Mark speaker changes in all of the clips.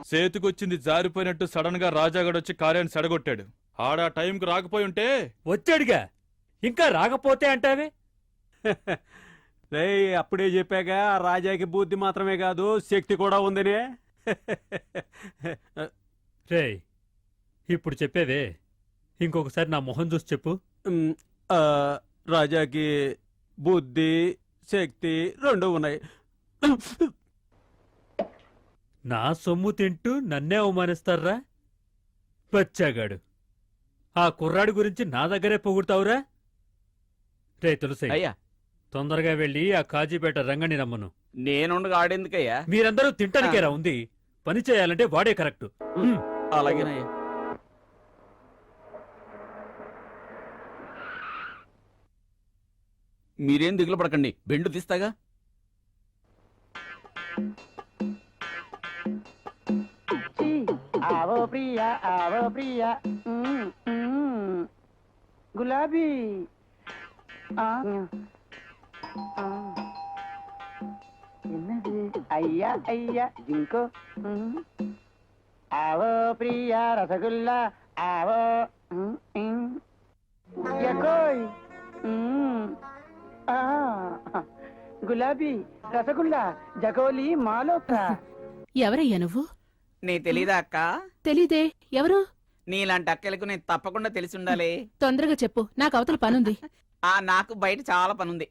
Speaker 1: సేతుకొచ్చింది జారిపోయినట్టు sudden గా రాజాగడొచ్చి కార్యాన్ని సెడగొట్టాడు. ఆడా టైంకి రాకపోయి ఉంటే
Speaker 2: వచ్చాడుగా, ఇంకా రాకపోతే అంటావే?
Speaker 3: రే, అప్పుడే చెప్పాగా రాజాకి బుద్ధి మాత్రమే కాదు శక్తి కూడా ఉందనే.
Speaker 2: రే, ఇప్పుడు చెప్పేవే ఇంకొకసారి నా మొహం చూసి చెప్పు.
Speaker 3: రాజాకి బుద్ధి శక్తి రెండు ఉన్నాయి.
Speaker 2: నా సొమ్ము తింటూ నన్నే అవమానిస్తారా? బచ్చాగాడు, ఆ కుర్రాడి గురించి నా దగ్గరే పొగుడతావురా? రే తులసి,
Speaker 4: అయ్యా
Speaker 2: తొందరగా వెళ్ళి ఆ కాజీపేట రంగని రమ్మను.
Speaker 4: నేనుండగా ఆడేందుకయ్యా?
Speaker 2: మీరందరూ తింటానికేరా ఉంది, పని చేయాలంటే వాడే కరెక్ట్.
Speaker 4: అలాగేనయ్యా. మీరేం దిగులు పడకండి, బెండు తీస్తాగా.
Speaker 5: आवो प्रिया आवो प्रिया गुलाबी என்னது ஐயா ஐயா ஜிங்கோ आवो प्रिया रसगुल्ला आवो यकोई గులాబీ రసగుల్లా జగోలి మాలోత్రా.
Speaker 6: ఎవరయ్యా నువ్వు?
Speaker 4: నీ తెలీదా అక్క?
Speaker 6: తెలీదే, ఎవరు?
Speaker 4: నీలాంటి అక్కలకు నేను తప్పకుండా తెలిసి ఉండాలి.
Speaker 6: తొందరగా చెప్పు, నాకు అవతల పనుంది.
Speaker 4: నాకు బయట చాలా పనుంది.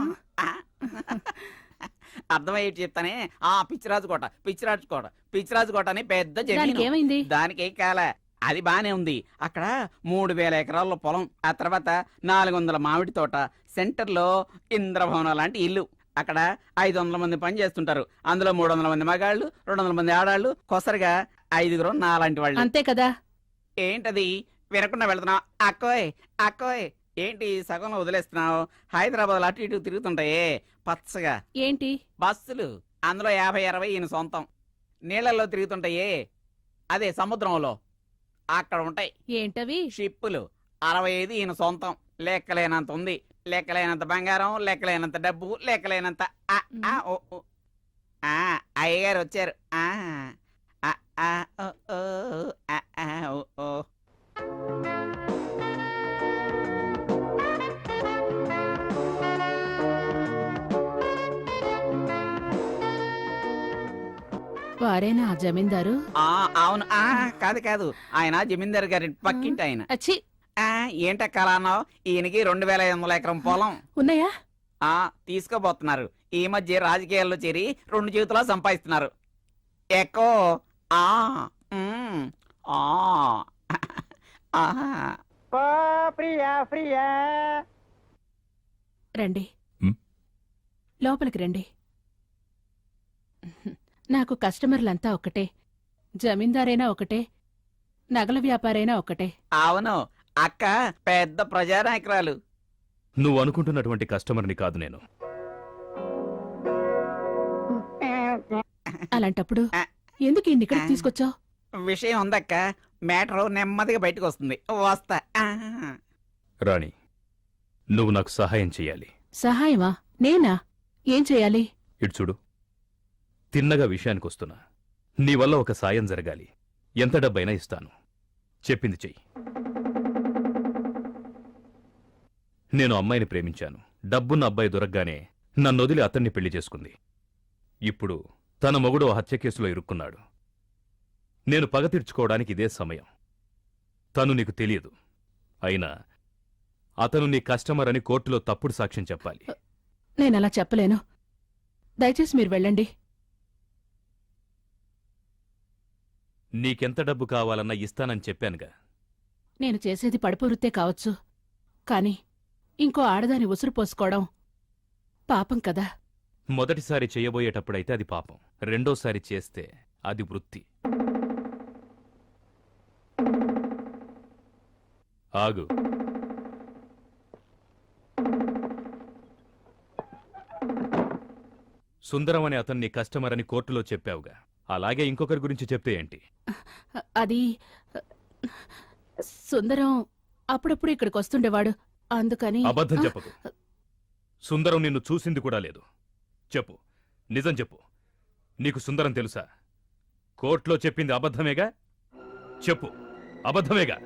Speaker 4: అర్థమయ్యేటి చెప్తానే. పిచ్చిరాజు కోట పిచ్చిరాజు కోట పిచ్చిరాజు కోట అని పెద్ద జమీను.
Speaker 6: ఏమైంది?
Speaker 4: దానికి కాల అది బానే ఉంది. అక్కడ 3000 ఎకరాల పొలం, ఆ తర్వాత 400 మామిడి తోట, సెంటర్ లో ఇంద్రభవనం లాంటి ఇల్లు. అక్కడ 500 మంది పని చేస్తుంటారు. అందులో 300 మంది మగాళ్ళు, 200 మంది ఆడాళ్ళు, కొసరిగా 5 నాలాంటి వాళ్ళు.
Speaker 6: అంతే కదా.
Speaker 4: ఏంటది వినకుండా వెళ్తున్నావు? అక్కోయ్ అక్కోయ్, ఏంటి సగంలో వదిలేస్తున్నావు? హైదరాబాద్ అటు ఇటు తిరుగుతుంటాయే పచ్చగా
Speaker 6: ఏంటి
Speaker 4: బస్సులు, అందులో 50-60 ఈయన సొంతం. నీళ్లలో తిరుగుతుంటాయే, అదే సముద్రంలో అక్కడ ఉంటాయి.
Speaker 6: ఏంటవి?
Speaker 4: షిప్పులు. 65 ఈయన సొంతం. లెక్కలేనంత ఉంది, లెక్కలేనంత బంగారం, లెక్కలేనంత డబ్బు, లెక్కలేనంత. అయ్యగారు వచ్చారు.
Speaker 6: వారేనా ఆ జమీందారు?
Speaker 4: అవును. కాదు కాదు, ఆయన జమీందారు గారి పక్కింటి ఆయన.
Speaker 6: అచ్చి,
Speaker 4: ఏంటక్కలా అన్నావు? ఈయనకి 2500 ఎకరం పొలం
Speaker 6: ఉన్నాయా?
Speaker 4: తీసుకోబోతున్నారు. ఈ మధ్య రాజకీయాల్లో చేరి 2 జీవితాలు సంపాదిస్తున్నారు. ఎక్కో
Speaker 5: ప్రియా ప్రియా
Speaker 6: రండి, లోపలికి రండి. నాకు కస్టమర్లంతా ఒకటే, జమీందారైనా ఒకటే, నగల వ్యాపారైనా ఒకటే.
Speaker 4: అవును, అక్క పెద్ద ప్రజానాయకురాలు.
Speaker 1: నువ్వు అనుకుంటున్నటువంటి కస్టమర్ని కాదు నేను.
Speaker 6: అలాంటప్పుడు ఎందుకు ఇక్కడికి తీసుకొచ్చావు?
Speaker 4: విషయం ఉందక్క, మ్యాటర్ నెమ్మదిగా బయటకు వస్తుంది. వస్తా.
Speaker 1: రాణి, నువ్వు నాకు సహాయం చెయ్యాలి.
Speaker 6: సహాయమా? నేనా? ఏం చెయ్యాలి?
Speaker 1: ఇటు చూడు, తిన్నగా విషయానికొస్తున్నా. నీ వల్ల ఒక సాయం జరగాలి. ఎంత డబ్బైనా ఇస్తాను, చెప్పింది చెయ్యి. నేను అమ్మాయిని ప్రేమించాను. డబ్బున్న అబ్బాయి దొరకగానే నన్నొదిలి అతన్ని పెళ్లి చేసుకుంది. ఇప్పుడు తన మొగుడు హత్య కేసులో ఇరుక్కున్నాడు. నేను పగ తీర్చుకోవడానికి ఇదే సమయం. తను నీకు తెలియదు, అయినా అతను నీ కస్టమర్ అని కోర్టులో తప్పుడు సాక్ష్యం చెప్పాలి.
Speaker 6: నేనలా చెప్పలేను, దయచేసి మీరు వెళ్ళండి.
Speaker 1: నీకెంత డబ్బు కావాలన్నా ఇస్తానని చెప్పానుగా.
Speaker 6: నేను చేసేది పడుపు వృత్తే కావచ్చు, కాని ఇంకో ఆడదాని ఉసురు పోసుకోవడం పాపం కదా.
Speaker 1: మొదటిసారి చెయ్యబోయేటప్పుడైతే అది పాపం, రెండోసారి చేస్తే అది వృత్తి. ఆగు. సుందరం అనే అతన్ని కస్టమర్ అని కోర్టులో చెప్పావుగా, అలాగే ఇంకొకరి గురించి చెప్తే ఏంటి?
Speaker 6: అది సుందరం అప్పుడప్పుడు ఇక్కడికి వస్తుండేవాడు, అందుకని.
Speaker 1: అబద్ధం చెప్పకు. సుందరం నిన్ను చూసింది కూడా లేదు. చెప్పు, నిజం చెప్పు. నీకు సుందరం తెలుసా? కోర్టులో చెప్పింది అబద్ధమేగా? చెప్పు, అబద్ధమేగా?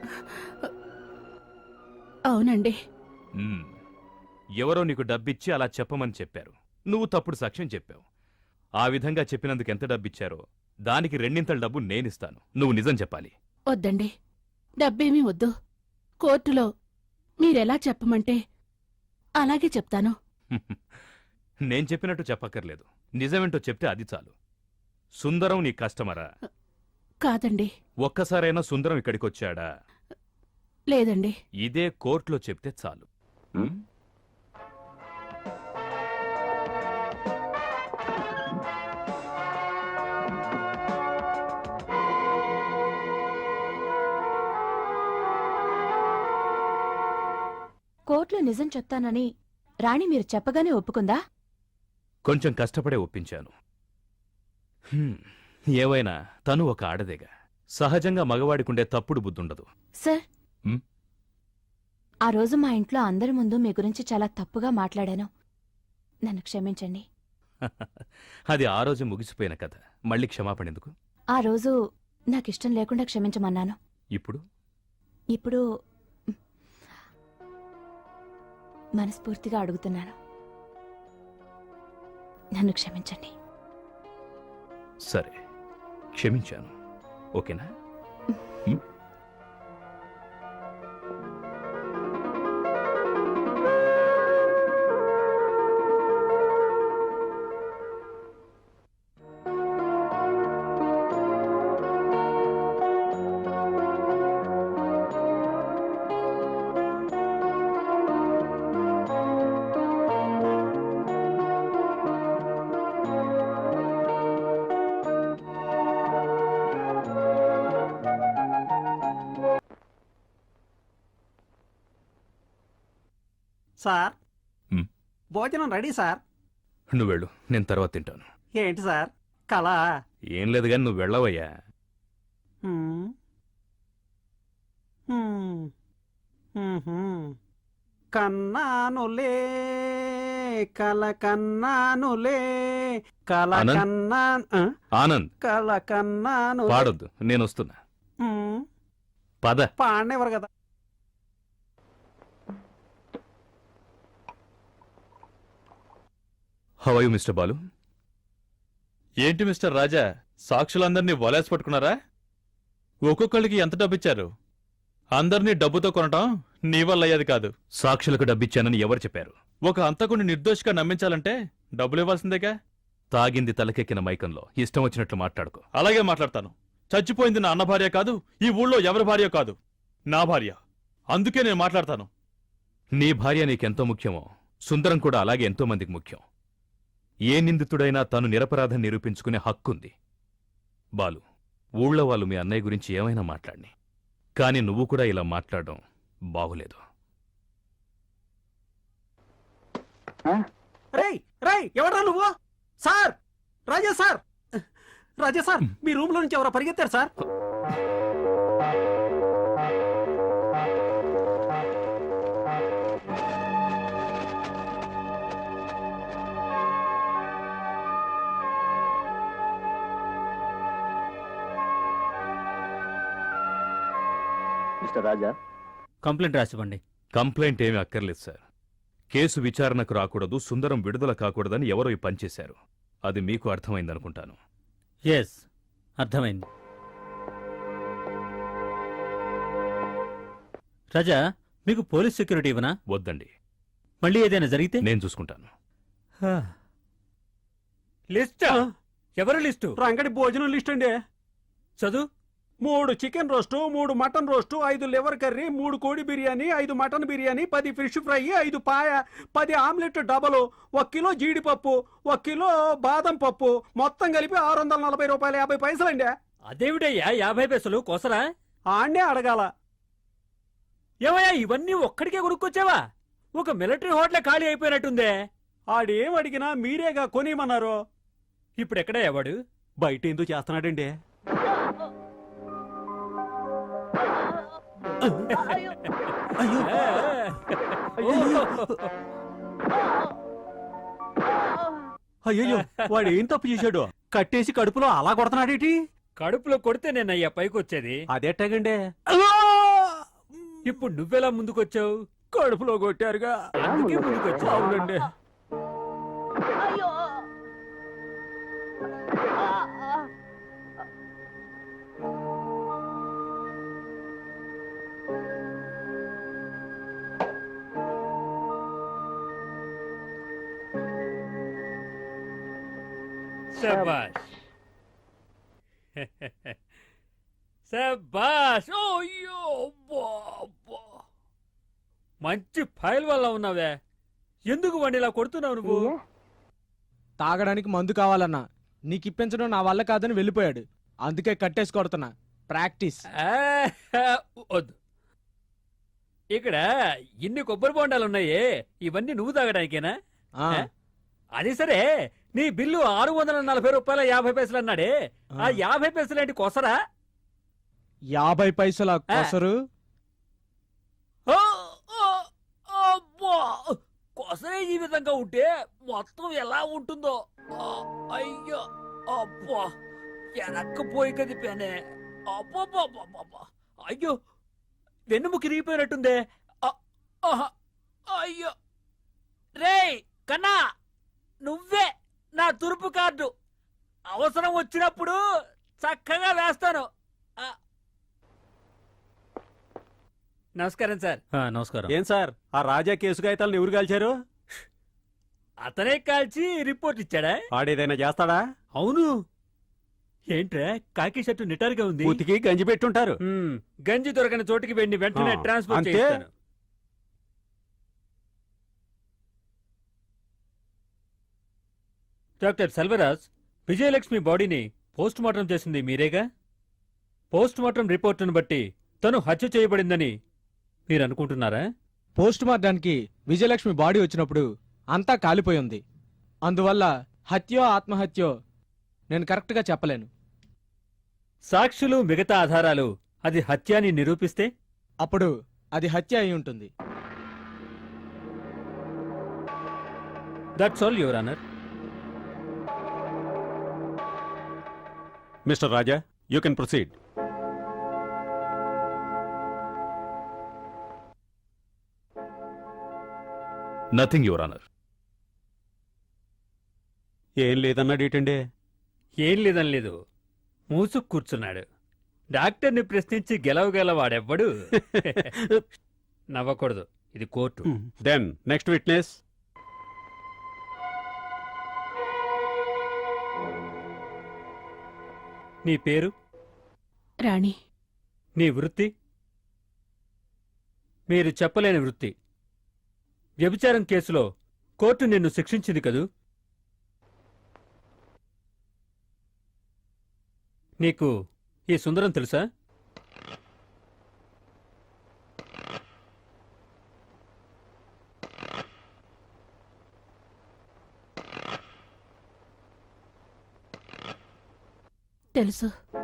Speaker 6: అవునండి.
Speaker 1: మ్మ్. ఎవరో నీకు డబ్బిచ్చి అలా చెప్పమని చెప్పారు. నువ్వు తప్పుడు సాక్ష్యం చెప్పావు. ఆ విధంగా చెప్పినందుకు ఎంత డబ్బిచ్చారో దానికి రెండింతల డబ్బు నేనిస్తాను. నువ్వు నిజం చెప్పాలి.
Speaker 6: వద్దండి, డబ్బేమీ వద్దు. కోర్టులో మీరెలా చెప్పమంటే అలాగే చెప్తాను.
Speaker 1: నేను చెప్పినట్టు చెప్పక్కర్లేదు. నిజమేంటో చెప్తే అది చాలు. సుందరం నీ కస్టమరా?
Speaker 6: కాదండి.
Speaker 1: ఒక్కసారైనా సుందరం ఇక్కడికొచ్చాడా?
Speaker 6: లేదండి.
Speaker 1: ఇదే కోర్టులో చెప్తే చాలు. మ్మ్?
Speaker 7: కోర్టులో నిజం చెప్తానని రాణి మీరు చెప్పగానే ఒప్పుకుందా?
Speaker 1: కొంచెం కష్టపడే ఒప్పించాను. ఏవైనా తను ఒక ఆడదేగా. సహజంగా మగవాడికుండే తప్పుడు బుద్ధుండదు.
Speaker 7: సార్,
Speaker 1: హ్మ్?
Speaker 7: ఆ రోజు మా ఇంట్లో అందరి ముందు మీ గురించి చాలా తప్పుగా మాట్లాడాను. నన్ను క్షమించండి.
Speaker 1: అది ఆ రోజు ముగిసిపోయిన కథ. మళ్ళీ క్షమాపణ ఎందుకు?
Speaker 7: ఆ రోజు నాకిష్టం లేకుండా క్షమించమన్నాను.
Speaker 1: ఇప్పుడు
Speaker 7: ఇప్పుడు మనస్ఫూర్తిగా అడుగుతున్నాను. నన్ను క్షమించండి.
Speaker 1: సరే, క్షమించాను. ఓకేనా? హ్మ్?
Speaker 3: సార్,
Speaker 1: మ్మ్.
Speaker 3: భోజనం రెడీ సార్.
Speaker 1: నువ్వు వెళ్ళు, నేను తర్వాత తింటాను.
Speaker 3: ఏంటి సార్, కళ?
Speaker 1: ఏం లేదు గాని నువ్వు వెళ్ళవయ్యా.
Speaker 3: హ్మ్. హ్మ్. మ్మ్హ్మ్. కన్నానులే కల కన్నానులే కల
Speaker 1: ఆనంద్?
Speaker 3: కన్నా
Speaker 1: ఆనంద్,
Speaker 3: కల కన్నాను.
Speaker 1: పాడొద్దు, నేను వస్తున్నా. పద.
Speaker 3: పాడనివ్వరు కదా.
Speaker 1: How are you Mister Balu?
Speaker 8: ఏంటి మిస్టర్ రాజా, సాక్షులందరినీ వలేసి పట్టుకున్నారా? ఒక్కొక్కళ్ళకి ఎంత డబ్బిచ్చారు? అందరినీ డబ్బుతో కొనటం నీ వల్ల అయ్యేది కాదు.
Speaker 1: సాక్షులకు డబ్బిచ్చానని ఎవరు చెప్పారు?
Speaker 8: ఒక హంతకుడిని నిర్దోషిగా నమ్మించాలంటే డబ్బులు ఇవ్వాల్సిందేగా.
Speaker 1: తాగింది తలకెక్కిన మైకంలో ఇష్టం వచ్చినట్లు మాట్లాడుకో.
Speaker 8: అలాగే మాట్లాడతాను. చచ్చిపోయింది నా అన్న భార్య కాదు, ఈ ఊళ్ళో ఎవరి భార్య కాదు, నా భార్య. అందుకే నేను మాట్లాడతాను.
Speaker 1: నీ భార్య నీకెంతో ముఖ్యమో సుందరం కూడా అలాగే ఎంతో మందికి ముఖ్యం. ఏ నిందితుడైనా తాను నిరపరాధం నిరూపించుకునే హక్కుంది. బాలు, ఊళ్ళో వాళ్ళు మీ అన్నయ్య గురించి ఏమైనా మాట్లాడిని, కాని నువ్వు కూడా ఇలా మాట్లాడడం బాగులేదు.
Speaker 3: రేయ్ రేయ్, ఎవడ్రా నువ్వు? Sir, Raja sir, Raja sir, మీ రూమ్ లో నుంచి ఎవరో పరిగెత్తారు సార్.
Speaker 9: మిస్టర్ రాజా,
Speaker 2: కంప్లైంట్ రాసివ్వండి.
Speaker 1: కంప్లైంట్ ఏమీ అక్కర్లేదు సార్. కేసు విచారణకు రాకూడదు, సుందరం విడుదల కాకూడదని ఎవరో ఈ పనిచేశారు. అది మీకు అర్థమైందనుకుంటాను.
Speaker 2: ఎస్, అర్థమైంది. రాజా, మీకు పోలీస్ సెక్యూరిటీ ఇవ్వనా?
Speaker 1: వద్దండి,
Speaker 2: మళ్ళీ ఏదైనా జరిగితే?
Speaker 1: నేను చూసుకుంటాను.
Speaker 2: లిస్టా? ఎవరు లిస్టు?
Speaker 3: రంగడి భోజనం లిస్ట్ అండి.
Speaker 2: చదువు.
Speaker 3: 3 chicken roast, 3 mutton roast, 5 liver curry, 3 కోడి biryani, 5 mutton biryani, 10 fish fry, 5 paya, 10 omelette double, 1 kilo జీడిపప్పు, 1 కిలో బాదం పప్పు, మొత్తం కలిపి 640 రూపాయలు 50 పైసలండి.
Speaker 2: అదేమిటయ్యా 50 పైసలు కోసరా?
Speaker 3: ఆడ్నే అడగాల.
Speaker 2: ఏమయ్యా, ఇవన్నీ ఒక్కడికే కొనుక్కొచ్చావా? ఒక మిలిటరీ హోటల్ ఖాళీ అయిపోయినట్టుందే.
Speaker 3: ఆడేం అడిగినా మీరేగా కొనిమన్నారు.
Speaker 2: ఇప్పుడు ఎక్కడ ఎవడు?
Speaker 3: బయట ఎందుకు చేస్తున్నాడండి? అయ్యో, వాడు ఏం తప్పు చేశాడు? కట్టేసి కడుపులో అలా కొడుతున్నాడేటి?
Speaker 2: కడుపులో కొడితే నేనయ్యా పైకొచ్చేది.
Speaker 3: అదెట్టగండి
Speaker 2: ఇప్పుడు నువ్వెలా ముందుకొచ్చావు?
Speaker 3: కడుపులో కొట్టారుగా
Speaker 2: అందుకే ముందుకొచ్చావు.
Speaker 3: అవునండి.
Speaker 2: శబాష్. శబాష్. అయ్యో అబ్బా, అబ్బా. మంచి ఫైల్ వల్ల ఉన్నావే. ఎందుకు వాడిని ఇలా కొడుతున్నావు నువ్వు?
Speaker 10: తాగడానికి మందు కావాలన్నా నీకు ఇప్పించడం నా వల్ల కాదని వెళ్ళిపోయాడు. అందుకే కట్టేసి కొడుతున్నా. ప్రాక్టీస్.
Speaker 2: ఆ, వద్దు. ఇక్కడ ఇన్ని కొబ్బరి బొండాలు ఉన్నాయే, ఇవన్నీ నువ్వు తాగడానికేనా?
Speaker 10: ఆ,
Speaker 2: అది సరే, నీ బిల్లు 640 రూపాయల 50 పైసలు అన్నాడే, ఆ 50 పైసలు ఏంటి కొసరా?
Speaker 10: 50 పైసల కొసరు.
Speaker 2: ఆ, ఆ, అబ్బా! కొసరే ఈ విధంగా ఉంటే మొత్తం ఎలా ఉంటుందో. ఆ, అయ్యో అబ్బా, వెనక్కిపోయి కదిపానే. అబ్బా, అయ్యో, వెన్నుముకి రిగిపోయినట్టుందే. ఆ, ఆహా, అయ్యో. రేయ్ కన్నా, నువ్వే నా తురుపు కార్డు. అవసరం వచ్చినప్పుడు చక్కగా వేస్తాను. ఆ. నమస్కారం సార్.
Speaker 8: నమస్కారం.
Speaker 3: ఏం సార్, ఆ రాజా కేసు కాగితాలను ఎవరు కాల్చారు?
Speaker 2: అతనే కాల్చి రిపోర్ట్ ఇచ్చాడా?
Speaker 3: వాడేదైనా చేస్తాడా?
Speaker 2: అవును. ఏంట్రా కాకి షర్టు నిటారుగా ఉంది?
Speaker 3: ఉతికి గంజి పెట్టుంటారు.
Speaker 2: గంజి దొరకని చోటికి వెళ్ళి వెంటనే
Speaker 3: ఆ,
Speaker 2: ట్రాన్స్ఫర్
Speaker 3: అంతే.
Speaker 2: చేస్తాను. డాక్టర్ సెల్వరాజ్, విజయలక్ష్మి బాడీని పోస్ట్ మార్టం చేసింది మీరేగా? పోస్ట్ మార్టం రిపోర్టును బట్టి తను హత్య చేయబడిందని మీరు అనుకుంటున్నారా?
Speaker 10: పోస్ట్ మార్టానికి విజయలక్ష్మి బాడీ వచ్చినప్పుడు అంతా కాలిపోయి ఉంది. అందువల్ల హత్యో ఆత్మహత్యో నేను కరెక్ట్గా చెప్పలేను.
Speaker 2: సాక్షులు మిగతా ఆధారాలు అది హత్య అని నిరూపిస్తే?
Speaker 10: అప్పుడు అది హత్య అయి ఉంటుంది.
Speaker 2: That's all your honour.
Speaker 3: Mister Raja, you can proceed.
Speaker 1: Nothing your honour.
Speaker 3: ఏం లేదన్నాడు ఏంటండి?
Speaker 2: ఏం లేదని లేదు, మూసుకు కూర్చున్నాడు. డాక్టర్ని ప్రశ్నించి గెలవగలవాడెవ్వడు. నవ్వకూడదు, ఇది కోర్టు.
Speaker 3: Then next witness.
Speaker 2: నీ పేరు?
Speaker 6: రాణి.
Speaker 2: నీ వృత్తి? మీరు చెప్పలేని వృత్తి. వ్యభిచారం కేసులో కోర్టు నిన్ను శిక్షించింది కదూ? నీకు ఈ సుందరం తెలుసా?
Speaker 6: తెలుసు.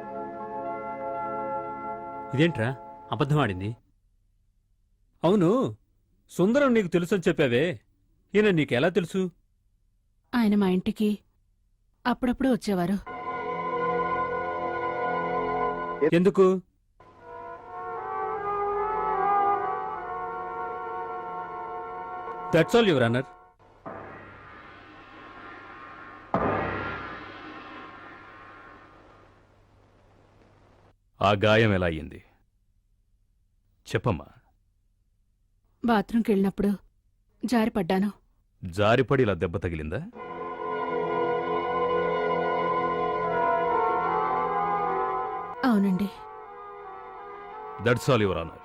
Speaker 2: ఇదేంట్రా అబద్ధమాడింది? అవును, సుందరం నీకు తెలుసని చెప్పావే, ఈయన నీకెలా తెలుసు?
Speaker 6: ఆయన మా ఇంటికి అప్పుడప్పుడు వచ్చేవారు.
Speaker 2: ఎందుకు? That's all your honour.
Speaker 1: ఆ గాయం ఎలా అయ్యింది చెప్పమ్మా.
Speaker 6: బాత్రూంకి వెళ్ళినప్పుడు జారిపడ్డాను.
Speaker 1: జారిపడి ఇలా దెబ్బ తగిలిందా?
Speaker 6: అవునండి.
Speaker 1: That's all your honour.